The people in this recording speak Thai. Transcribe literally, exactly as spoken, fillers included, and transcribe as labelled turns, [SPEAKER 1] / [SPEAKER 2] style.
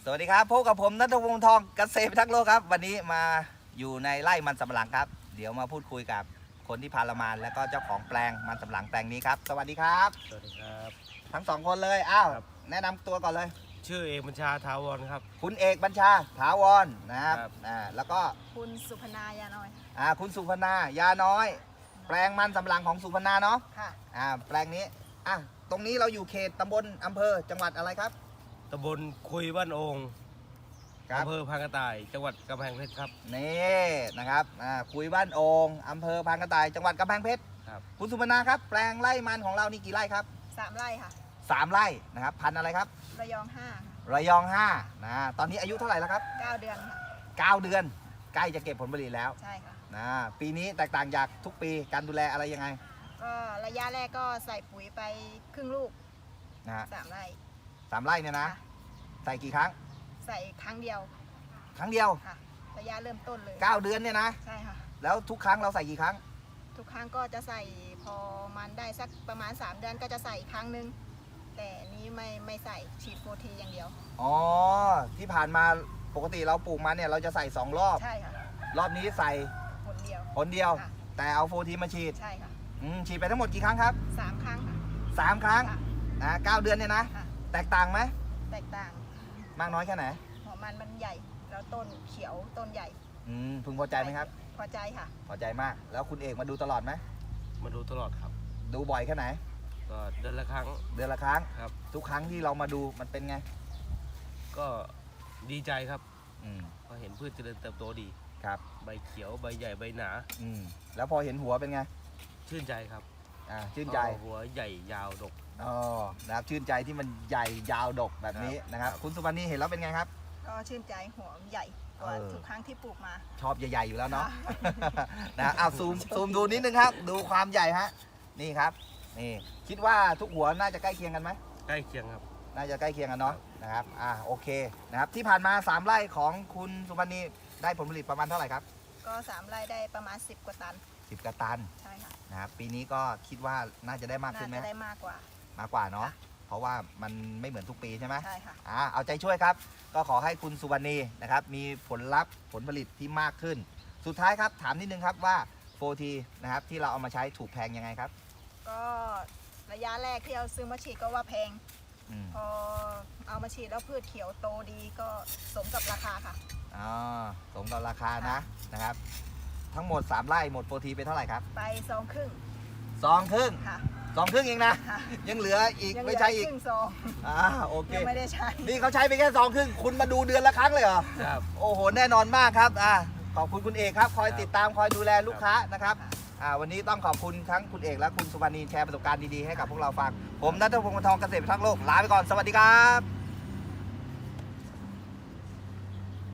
[SPEAKER 1] สวัสดีครับพบกับผมณัฐพงษ์ทองเกษตรพิทักษ์โลกครับวันนี้มาอยู่ในไร่มันสำปะหลังครับเดี๋ยวมาพูดคุยกับคนที่พาเรามาแล้วก็เจ้าของแปลงมันสำปะหลังแปลงนี้ครับสวัสดีครับ
[SPEAKER 2] สวัสดีครับ
[SPEAKER 1] ทั้งสองคนเลยอ้าว
[SPEAKER 2] ครับ
[SPEAKER 1] แนะนำตัวก่อนเลย
[SPEAKER 2] ชื่อเอกบัญชาทาวรครับ
[SPEAKER 1] คุณเอกบัญชาถาวรนะครับ
[SPEAKER 2] ครับ
[SPEAKER 1] อ่าแล้วก็
[SPEAKER 3] คุณสุพนายาน้อย
[SPEAKER 1] อ่าคุณสุพนายาน้อย แปลงมันสำปะหลังของสุพนาเนาะ
[SPEAKER 3] ค่ะ
[SPEAKER 1] อ่าแปลงนี้อ่ะตรงนี้เราอยู่เขตตำบลอำเภอจังหวัดอะไรครับ
[SPEAKER 2] ตำบลคุยบ้านโอง
[SPEAKER 1] ครับ
[SPEAKER 2] อำเภอพานกระต่าย จังหวัดกำแพงเพชรครับ
[SPEAKER 1] นี่นะครับอ่าคุยบ้านโองอำเภอพานกระต่ายจังหวัดกำแพงเพชร
[SPEAKER 2] ครับ
[SPEAKER 1] คุณสุพนาครับแปลงไร่มันของเรานี่กี่ไร่ครับ
[SPEAKER 3] สามไร่ค่ะ
[SPEAKER 1] สามไร่นะครับพันธุ์อะไรครับ
[SPEAKER 3] ระยองห้า
[SPEAKER 1] ระยองห้านะตอนนี้อายุเท่าไหร่แล้วครับ
[SPEAKER 3] เก้าเดือนค่ะ
[SPEAKER 1] เก้าเดือนใกล้จะเก็บผลผลิตแล้ว
[SPEAKER 3] ใช่ค่ะ
[SPEAKER 1] นะปีนี้แตกต่างจากทุกปีการดูแลอะไรยังไง
[SPEAKER 3] ก็ระยะแรกก็ใส่ปุ๋ยไปครึ่งลูก
[SPEAKER 1] นะฮะ
[SPEAKER 3] สามไร่
[SPEAKER 1] สามไร่เนี่ยนะ
[SPEAKER 3] ค่ะ
[SPEAKER 1] ใส่กี่ครั้ง
[SPEAKER 3] ใส่ครั้งเดียว
[SPEAKER 1] ครั้งเดียว
[SPEAKER 3] ค่ะ ระยะเริ่มต้นเลย
[SPEAKER 1] เก้าเดือนเนี่ยนะ
[SPEAKER 3] ใช่ค่ะ
[SPEAKER 1] แล้วทุกครั้งเราใส่กี่ครั้ง
[SPEAKER 3] ทุกครั้งก็จะใส่พอมันได้สักประมาณ สาม เดือนก็จะใส่อีกครั้งหนึง แต่นี้ไม่ไม่ใส่ฉีดโฟทีอย่างเดียว
[SPEAKER 1] อ๋อที่ผ่านมาปกติเราปลูกมันเนี่ยเราจะใส่สองรอบ
[SPEAKER 3] ใช่ค่ะ
[SPEAKER 1] รอบนี้ใส่
[SPEAKER 3] ผลเดียว
[SPEAKER 1] ผลเดียว
[SPEAKER 3] ค่ะ
[SPEAKER 1] แต่เอาโฟทีมาฉีด
[SPEAKER 3] ใช่ค่ะ
[SPEAKER 1] อืมฉีดไปทั้งหมดกี่ครั้งครับ
[SPEAKER 3] สามครั้งค่ะ
[SPEAKER 1] สามครั้ง
[SPEAKER 3] ค่ะ
[SPEAKER 1] นะเก้าเดือนเนี่ยนะ
[SPEAKER 3] ค่ะ
[SPEAKER 1] แตกต่างไหม
[SPEAKER 3] แตกต่าง
[SPEAKER 1] มากน้อยแค่ไหน
[SPEAKER 3] หัวมันมันใหญ่ แล้วต้นเขียวต้นใหญ่
[SPEAKER 1] อืมพึงพอใจไหมครับ
[SPEAKER 3] พอใจค่ะ
[SPEAKER 1] พอใจมาก แล้วคุณเอกมาดูตลอดไหม
[SPEAKER 2] มาดูตลอดครับ
[SPEAKER 1] ดูบ่อยแค่ไหน
[SPEAKER 2] ก็เดือนละครั้ง
[SPEAKER 1] เดือนละครั้ง
[SPEAKER 2] ครับ
[SPEAKER 1] ทุกครั้งที่เรามาดูมันเป็นไง
[SPEAKER 2] ก็ดีใจครับ
[SPEAKER 1] อืม
[SPEAKER 2] เพราะเห็นพืชเจริญเติบโตดี
[SPEAKER 1] ครับ
[SPEAKER 2] ใบเขียว ใบใหญ่ ใบหนา
[SPEAKER 1] อืมแล้วพอเห็นหัวเป็นไง
[SPEAKER 2] ชื่นใจครับ
[SPEAKER 1] อ่า ชื่นใจ
[SPEAKER 2] เพราะหัวใหญ่ยาวดก
[SPEAKER 1] อ๋อ นะครับ ชื่นใจที่มันใหญ่ยาวดกแบบนี้
[SPEAKER 2] ครับ
[SPEAKER 1] นะครับ
[SPEAKER 2] ครับ
[SPEAKER 1] คุณสุวรรณีเห็นแล้วเป็นไงครับ
[SPEAKER 3] ก็ชื่นใจหัวมันใหญ่กว่า
[SPEAKER 1] เออ
[SPEAKER 3] ทุกครั้งที่ปลูกมา
[SPEAKER 1] ชอบใหญ่ๆอยู่แล้วเนาะ
[SPEAKER 3] ค่ะ
[SPEAKER 1] นะอ้าวซูมซูมดูนิดนึงครับ ดูความใหญ่ฮะ นี่ครับ นี่ คิดว่าทุกหัวน่าจะใกล้เคียงกันไหม
[SPEAKER 2] ใกล้เคียงครับ
[SPEAKER 1] น่าจะใกล้เคียงกันเนาะ นะครับ อ่า โอเค นะครับ ที่ผ่านมาสามไร่ของคุณสุวรรณีได้ผลผลิตประมาณเท่าไหร่ครับ
[SPEAKER 3] ก็สามไร่ได้ประมาณสิบกว่าตัน
[SPEAKER 1] สิบกระตัน
[SPEAKER 3] ใช่ค่ะ
[SPEAKER 1] นะครับ ปีนี้ก็คิดว่าน่าจะได้มาก
[SPEAKER 3] น่า
[SPEAKER 1] ขึ้นไหม
[SPEAKER 3] จะได้มากกว่า
[SPEAKER 1] มากกว่าเนาะ เพราะว่ามันไม่เหมือนทุกปีใช่ไหม
[SPEAKER 3] ใช่ค่ะ
[SPEAKER 1] อ่าเอาใจช่วยครับ ก็ขอให้คุณสุวรรณีนะครับ มีผลลัพธ์ผลผลิตที่มากขึ้น สุดท้ายครับ ถามนิดนึงครับว่าโฟทีนะครับที่เราเอามาใช้ถูกแพงยังไงครับ
[SPEAKER 3] ก็ระยะแรกที่เอาซื้อมาฉีดก็ว่าแพง
[SPEAKER 1] อืม
[SPEAKER 3] พอเอามาฉีดแล้วพืชเขียวโตดีก็สมกับราคาค่ะ
[SPEAKER 1] อ๋อสมกับราคานะนะครับ ทั้งหมดสามไร่หมดโฟทีไปเท่าไหร่ครับ
[SPEAKER 3] ไปซองครึ่ง
[SPEAKER 1] ซองครึ่ง
[SPEAKER 3] ค่ะ
[SPEAKER 1] ซองครึ่งเองนะ
[SPEAKER 3] ค่ะ
[SPEAKER 1] ยังเหลืออีก
[SPEAKER 3] ยังเหลื
[SPEAKER 1] ไม่
[SPEAKER 3] อ
[SPEAKER 1] ใช่อีก
[SPEAKER 3] ครึ่งซอง
[SPEAKER 1] อ่าโอเค
[SPEAKER 3] ยังไม่ได้ใช้
[SPEAKER 1] นี่เขาใช้ไปแค่ซองครึ่งคุณมาดูเดือนละครั้งเลยเหรอ
[SPEAKER 2] ครับ
[SPEAKER 1] โอ้โห แน่นอนมากครับ อ่าขอบคุณคุณเอกครับ คอย
[SPEAKER 2] ครับ
[SPEAKER 1] ติดตามคอยดูแลลูกค้านะครับ
[SPEAKER 3] ค่ะ
[SPEAKER 1] อ่า วันนี้ต้องขอบคุณทั้งคุณเอกและคุณสุวรรณีแชร์ประสบการณ์ดีๆให้กับพวกเราฟัง ผมณัฐพงษ์วงศ์ทองเกษตรพิทักษ์โลก ลาไปก่อน สวัสดีครับ